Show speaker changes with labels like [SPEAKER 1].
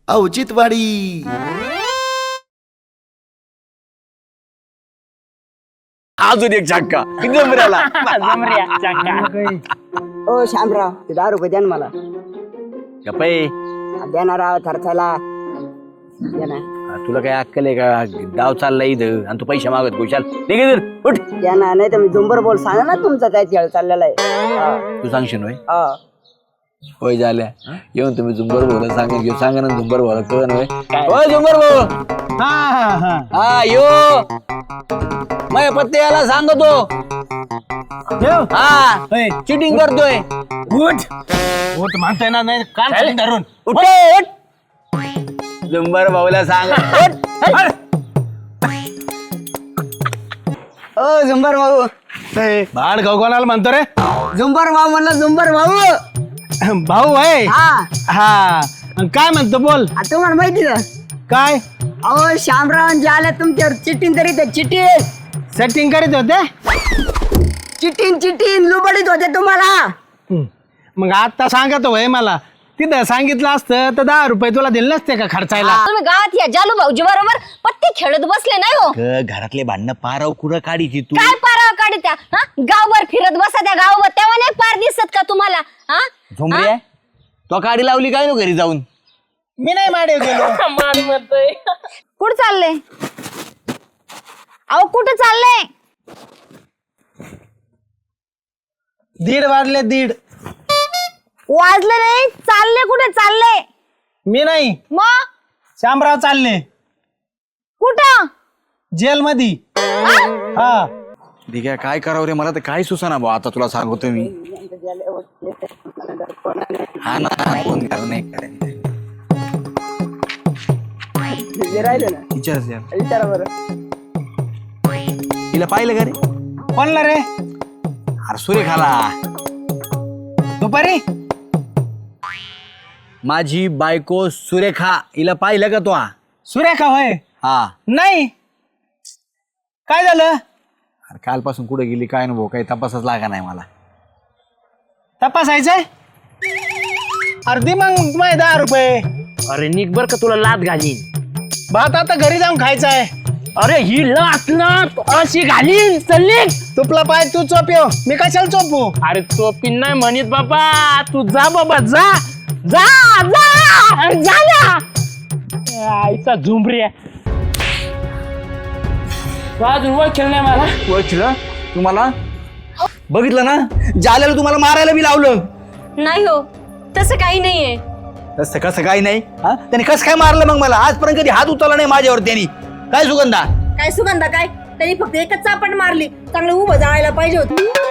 [SPEAKER 1] औचित्यवाडी.
[SPEAKER 2] अजून एक झटका जमऱ्याला.
[SPEAKER 3] ओ शामराव ते 10 रुपये द्या ना मला.
[SPEAKER 2] गप्पे
[SPEAKER 3] द्या राव थरथाला द्या ना.
[SPEAKER 2] तुला काय अक्कल आहे का? गाव चालला इथं आणि तू पैसे मागत गोशाल निघे उठ.
[SPEAKER 3] द्या ना, नाही तर मी झुंबर बोल सांगा ना तुमचा काय खेळ चाललेला आहे.
[SPEAKER 2] तू सांगशील होय?
[SPEAKER 3] हा
[SPEAKER 2] होय झाल्या येऊन तुम्ही झुंबर बोला सांगेन घेऊ सांगा ना झुंबर बोला कळण होय. होय झुंबर बोल. हा यो माझ्या पत्ते याला सांगतो. हा चिटिंग करतोय.
[SPEAKER 4] उठ म्हणतोय ना, नाही कान धरून
[SPEAKER 2] उठ झुंबर भाऊला सांग.
[SPEAKER 3] ओ झुंबर भाऊ.
[SPEAKER 4] भाड गाव कोणाला म्हणतो रे?
[SPEAKER 3] झुंबर भाऊ म्हणलं. झुंबर भाऊ
[SPEAKER 4] भाऊ आहे.
[SPEAKER 3] हा
[SPEAKER 4] हा काय म्हणतो बोल.
[SPEAKER 3] तुम्हाला माहिती का
[SPEAKER 4] काय
[SPEAKER 3] अहो शामराव जे आले तुमच्यावर चिटिंग करीत चिटिंग
[SPEAKER 4] सेटिंग करीत होते?
[SPEAKER 3] चिटिंग लुबडीत होते तुम्हाला.
[SPEAKER 4] मग आता सांगत होय मला. तिथं सांगितलं असतं तर 10 रुपये तुला दिले नसते का खर्चायला?
[SPEAKER 5] तुम्ही गावात या जालू भाऊजी बरोबर पत्ते खेळत बसले नाही हो?
[SPEAKER 2] घरातले भांडणं पाराव कुठं काढीची तू?
[SPEAKER 5] काय पाराव काढत्या? गावभर फिरत बसा त्या गावभर, तेव्हा नाही पार दिसत का तुम्हाला?
[SPEAKER 2] झोंबरे तो काडी लावली काय नो घरी जाऊन?
[SPEAKER 4] मी नाही माडे गेलो.
[SPEAKER 5] कुठं चालले? अहो कुठं चालले?
[SPEAKER 4] 1:30 वाजले. 1:30
[SPEAKER 5] वाजले नाही, चालले कुठे चालले?
[SPEAKER 4] मी नाही,
[SPEAKER 5] मग
[SPEAKER 4] शामराव चालले
[SPEAKER 5] कुठं?
[SPEAKER 4] जेल मध्ये. हा
[SPEAKER 2] ठीक आहे काय करावं रे मला तर काय सुसाना भाऊ. आता तुला सांगतो मी. हा ना फोन कर नाही करायचं.
[SPEAKER 3] राहिले ना विचारा बरं.
[SPEAKER 2] तिला पाहिलं का रे?
[SPEAKER 4] कोणला रे?
[SPEAKER 2] अरे सुरेखाला.
[SPEAKER 4] दुपारी
[SPEAKER 2] माझी बायको सुरेखा हिला पाहिलं का तू?
[SPEAKER 4] सुरेखा होय?
[SPEAKER 2] हा
[SPEAKER 4] नाही. काय झालं?
[SPEAKER 2] अरे कालपासून कुठे गेली काय ना भाऊ काही तपासच लागा नाही मला.
[SPEAKER 4] तपासायचंय? अर्धी मग माझे 10 रुपये.
[SPEAKER 6] अरे निघ बर का तुला लात घालीन.
[SPEAKER 4] भात आता घरी जाऊन खायचा आहे.
[SPEAKER 6] अरे ही लात ना अशी घालीन. चल निघ.
[SPEAKER 4] तुपला पाय तू चोपियो, मी कशाला चोपू?
[SPEAKER 6] अरे तो पिन नाही म्हणत बाबा. तू जा बाबा जा जा जा जा ना. आईचा झुंबरी अजून ओळखेल नाही मला.
[SPEAKER 2] ओळखलं तुम्हाला? बघितलं ना जाल्याला तुम्हाला मारायला बी लावलं.
[SPEAKER 5] नाही हो, तसं काही नाहीये.
[SPEAKER 2] तसं कसं काही नाही. हा त्याने कसं काय मारलं मग मला? आजपर्यंत कधी हात उचलला नाही माझ्यावर त्यांनी. काय सुगंधा?
[SPEAKER 7] काय सुगंधा काय? त्यांनी फक्त एकच चापट मारली. चांगलं उभं जायला पाहिजे होतं.